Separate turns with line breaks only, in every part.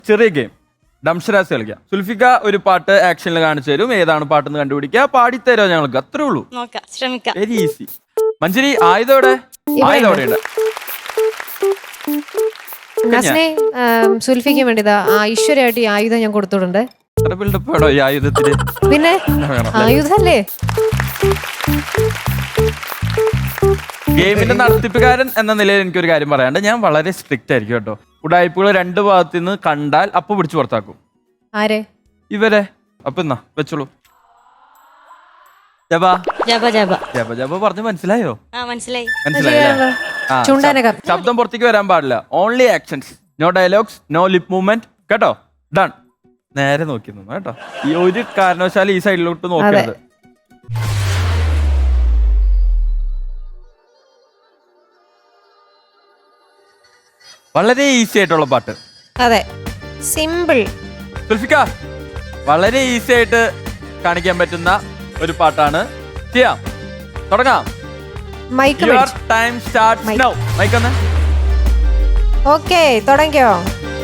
ചെറിയ ഗെയിം ഡംഷരാസ് കളിക്കാം. സുൽഫിക്ക ഒരു പാട്ട് ആക്ഷനിൽ കാണിച്ചു തരും. ഏതാണ് പാട്ടെന്ന് കണ്ടുപിടിക്കുക, പാടിത്തരോ ഞങ്ങൾക്ക്, അത്രേ ഉള്ളൂ.
നോക്കാം, ശ്രമിക്കാം.
Very easy. മഞ്ജരി ആയുധോടെ ഉണ്ട്.
സുൽഫിക്ക് വേണ്ടിതാ ഐശ്വര്യമായിട്ട് ഈ ആയുധം ഞാൻ കൊടുത്തിട്ടുണ്ട്.
ബിൽഡപ്പാണോ ഈ ആയുധത്തിന്?
പിന്നെ ആയുധല്ലേ.
ഗെയിമിന്റെ നടത്തിപ്പുകാരൻ എന്ന നിലയിൽ എനിക്കൊരു കാര്യം പറയാണ്ട്, ഞാൻ വളരെ സ്ട്രിക്റ്റ് ആയിരിക്കും കേട്ടോ. ഉടായ്പകൾ രണ്ട് ഭാഗത്തു നിന്ന് കണ്ടാൽ അപ്പൊ പിടിച്ചു പുറത്താക്കും.
ആരെ?
ഇവരെ. അപ്പൊ എന്നാ വെച്ചോളൂ. ജബ
ജബ ജബ
ജബ ജബ പറഞ്ഞു മനസ്സിലായോ?
മനസ്സിലായി.
മനസ്സിലായില്ലേ? ശബ്ദം പുറത്തേക്ക് വരാൻ പാടില്ല. Only actions, no dialogues, no lip movement. കേട്ടോ? ഡൺ. നേരെ നോക്കി നിന്നു കേട്ടോ. ഈ ഒരു കാരണവശാലും ഈ സൈഡിലോട്ട് നോക്കരുത്. വളരെ ഈസി ആയിട്ടുള്ള പാട്ട്.
അതെ, സിമ്പിൾ.
സുൽഫിക്ക, വളരെ ഈസി ആയിട്ട് കാണിക്കാൻ പറ്റുന്ന ഒരു പാട്ടാണ്. ചെയ്യാം, തുടങ്ങാം. Your time starts now. Mic ഒന്ന്.
ഓക്കേ, തുടങ്ങിയോ?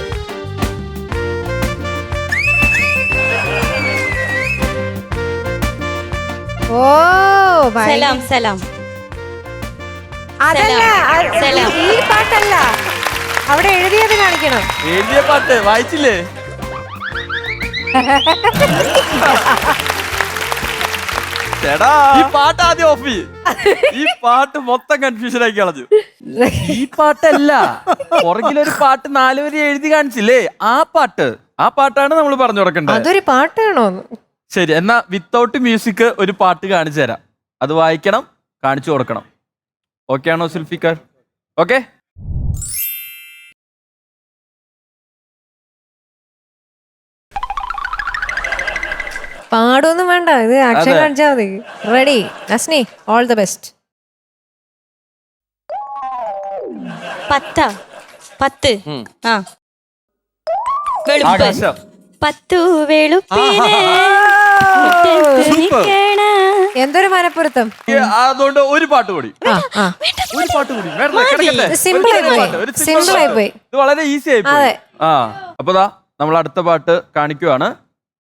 ഓ
സലാം സലാം.
അതല്ല, ഈ പാട്ടല്ല, അവിടെ എഴുതിയത് കാണിക്കണം.
എഴുതിയ പാട്ട് വായിച്ചില്ലേ? ചേടാ, ഈ പാട്ട് ആദ്യം ഓഫ് ചെയ്യ്. ഈ പാട്ട് മൊത്തം കൺഫ്യൂഷൻ ആക്കി കളഞ്ഞു. ഈ പാട്ടല്ല, പുറകിലൊരു പാട്ട് 4 വരി എഴുതി കാണിച്ചില്ലേ, ആ പാട്ടാണ് നമ്മൾ പറഞ്ഞു കൊടുക്കേണ്ടത്.
അതൊരു പാട്ടാണോ?
ശരി, എന്നാ വിത്തൗട്ട് മ്യൂസിക് ഒരു പാട്ട് കാണിച്ചു തരാം. അത് വായിക്കണം, കാണിച്ചു കൊടുക്കണം. ഓക്കെ ആണോ സുൽഫിക്കർ? ഓക്കെ.
പാടൊന്നും വേണ്ട, ഇത് ആക്ഷൻ കാണിച്ചാൽ മതി. Ready Nasni, all the best.
10 വെളുപ്പ്.
ആകാശം.
10 വെളുപ്പിന്
എന്തൊരു മനപ്പുറത്തം.
അതുകൊണ്ട് ഒരു പാട്ട് കൂടി. ഒരു പാട്ട് കൂടി.
സിമ്പിൾ ആയി പോയി.
ഇത് വളരെ ഈസി ആയി പോയി. അപ്പൊ ദാ നമ്മൾ അടുത്ത പാട്ട് കാണിക്കുവാണ്.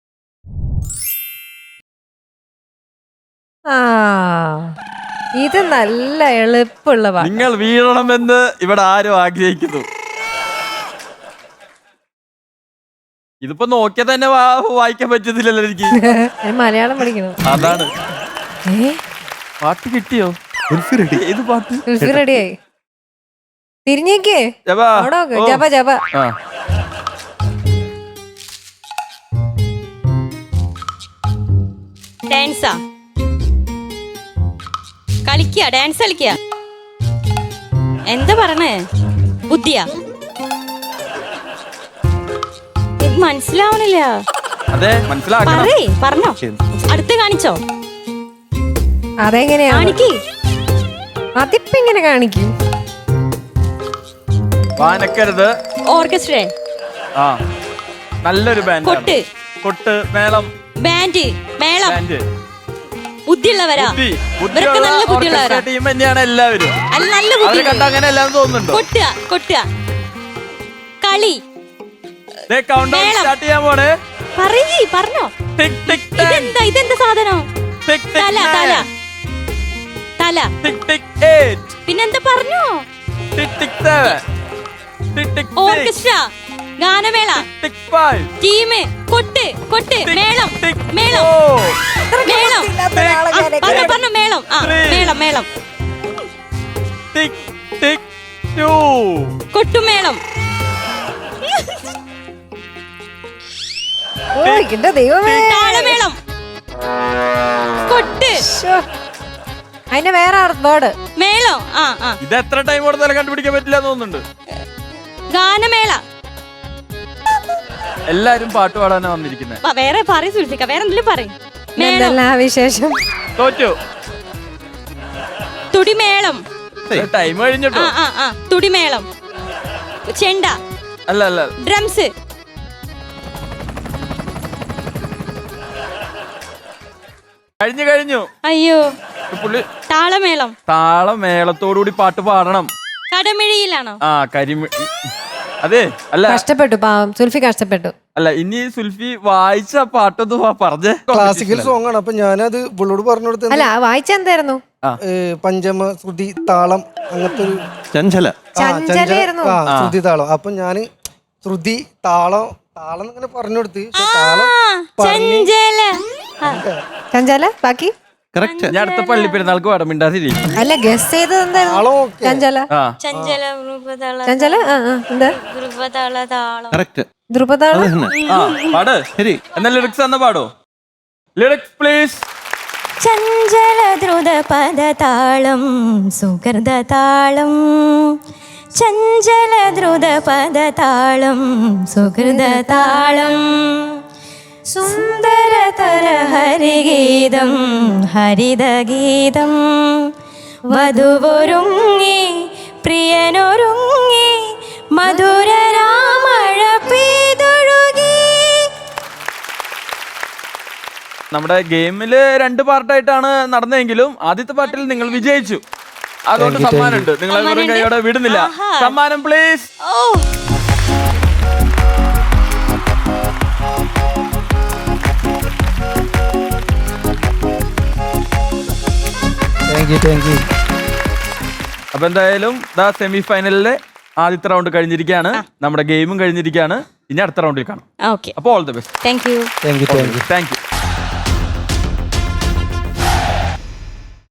ഇത് നല്ല എളുപ്പമുള്ള പാട്ട്.
നിങ്ങൾ വീഴണമെന്ന് ഇവിടെ ആരും ആഗ്രഹിക്കുന്നു. ഇതിപ്പോ നോക്കിയാ തന്നെ വായിക്കാൻ പറ്റത്തില്ലല്ലോ എനിക്ക്.
മലയാളം പഠിക്കണം.
അതാണ്. പാട്ട് കിട്ടിയോ? ഏത് പാട്ട്?
റെഡിയായി. തിരിഞ്ഞേക്കേ. ജപ ജപ.
ഡാൻസാ കളിക്കുക, ഡാൻസ് കളിക്കുക. എന്താ പറഞ്ഞേ? ബുദ്ധിയാ? മനസ്സിലാവണില്ല.
അതെ, മനസ്സിലാക്കണം.
പറഞ്ഞോ, അടുത്ത് കാണിച്ചോ.
അതെങ്ങനെയാ
കാണിക്ക്?
അതിപ്പോ ഇങ്ങനെ കാണിക്കും.
വാനക്കരുത്.
ഓർക്കസ്ട്ര.
നല്ലൊരു ബാൻഡ്.
കൊട്ട്.
കൊട്ട്, മേളം.
ബാൻഡ്, മേളം. ബുദ്ധിയുള്ളവരാ. ഇവരൊക്കെ നല്ല ബുദ്ധിയുള്ളവരാ.
ടീം തന്നെയാണ് എല്ലാവരും.
നല്ല ബുദ്ധി
കണ്ട അങ്ങനെ എല്ലാം തോന്നുന്നുണ്ടോ?
കൊട്ടുക, കൊട്ടുക, കളി.
സ്റ്റാർട്ട് ചെയ്യാൻ പോണേ.
പറഞ്ഞോ. ഇതെന്താ സാധനം? തല തല തല. പിന്നെന്താ പറഞ്ഞോ? ഓർക്കസ്ട്ര, ഗാനമേള, ടീം, കൊട്ട്, കൊട്ട്, മേളം, മേളം, മേളം. പറഞ്ഞു മേളം. മേളം, മേളം, കൊട്ടുമേളം. താളമേളം, കൊട്ട്.
അതിന്റെ വേറെ വേർഡ്
മേളം.
ഇത് എത്ര ടൈം കൊടുത്താലും കണ്ടുപിടിക്കാൻ പറ്റില്ല തോന്നുന്നുണ്ട്.
ഗാനമേള.
എല്ലാരും പാട്ട് പാടാനാ വന്നിരിക്കുന്നത്.
വേറെ പറയും സുൽഫിക്ക, വേറെ എന്തെങ്കിലും പറയും.
വിശേഷം.
തോറ്റു.
തുടിമേളം.
ടൈം കഴിഞ്ഞിട്ടോ.
തുടിമേളം, ചെണ്ട.
അല്ല അല്ല,
ഡ്രംസ്.
കഴിഞ്ഞു.
അയ്യോ. താളമേളം.
താളമേളത്തോടുകൂടി പാട്ട് പാടണം.
കടമിഴിയിലാണോ?
കരിമിഴി. അതെ അല്ല
കഷ്ടപ്പെട്ടു പാവം സുൽഫി കഷ്ടപ്പെട്ടു.
അല്ല ഇനി സുൽഫി വായിച്ച പാട്ടൊന്ന് പറഞ്ഞേ.
ക്ലാസിക്കൽ സോങ് ആണ്. അപ്പൊ ഞാനത് പുള്ളോട് പറഞ്ഞു കൊടുത്തത്
അല്ല വായിച്ച എന്തായിരുന്നു?
പഞ്ചമ ശ്രുതി താളം അങ്ങനത്തെ ഒരു
ചഞ്ചല
ചഞ്ചലയായിരുന്നു.
ശ്രുതി താളം. അപ്പൊ ഞാന് ശ്രുതി താളം താളം ഇങ്ങനെ പറഞ്ഞു കൊടുത്ത് താളം
ചഞ്ചല
ചഞ്ചല ബാക്കി
കറക്റ്റ്.
ഞാൻ അടുത്ത പള്ളി പെരുന്നാൾക്ക് പാടാം മിണ്ടാതിരി.
അല്ല ഗസ് ചെയ്തത് എന്തായിരുന്നു?
താളം ഓക്കെ.
ചഞ്ചല
ആ
ചഞ്ചല
ചഞ്ചല എന്താ
താളം
കറക്റ്റ്.
ധ്രുപതാളം.
ആ പാട്.
ശരി.
എന്നാ ലിറിക്സ് എന്നാ പാടോ? Lyrics please.
ചഞ്ചല ദ്രുത പദതാളം സുഹൃദതാളം ചഞ്ചല ദ്രുത പദതാളം സുഹൃദതാളം സുന്ദരതര ഹരിഗീതം ഹരിതഗീതം വധുവൊരുങ്ങി പ്രിയനൊരുങ്ങി മധുര രാമഴ പെയ്തൊഴുകി.
നമ്മുടെ ഗെയിമില് 2 പാർട്ടായിട്ടാണ് നടന്നതെങ്കിലും ആദ്യത്തെ പാർട്ടിൽ നിങ്ങൾ വിജയിച്ചു. അതുകൊണ്ട് സമ്മാനമുണ്ട്. നിങ്ങളെ വെറും കൈയോടെ വിടുന്നില്ല. സമ്മാനം പ്ലീസ്.
Thank you.
അപ്പൊ എന്തായാലും സെമി ഫൈനലിലെ ആദ്യത്തെ റൗണ്ട് കഴിഞ്ഞിരിക്കുകയാണ്. നമ്മുടെ ഗെയിമും കഴിഞ്ഞിരിക്കുകയാണ്. ഇനി അടുത്ത റൗണ്ടിൽ കാണാം.
ഓക്കെ
അപ്പോൾ all the best.
Thank you.
Thank you.
Thank U.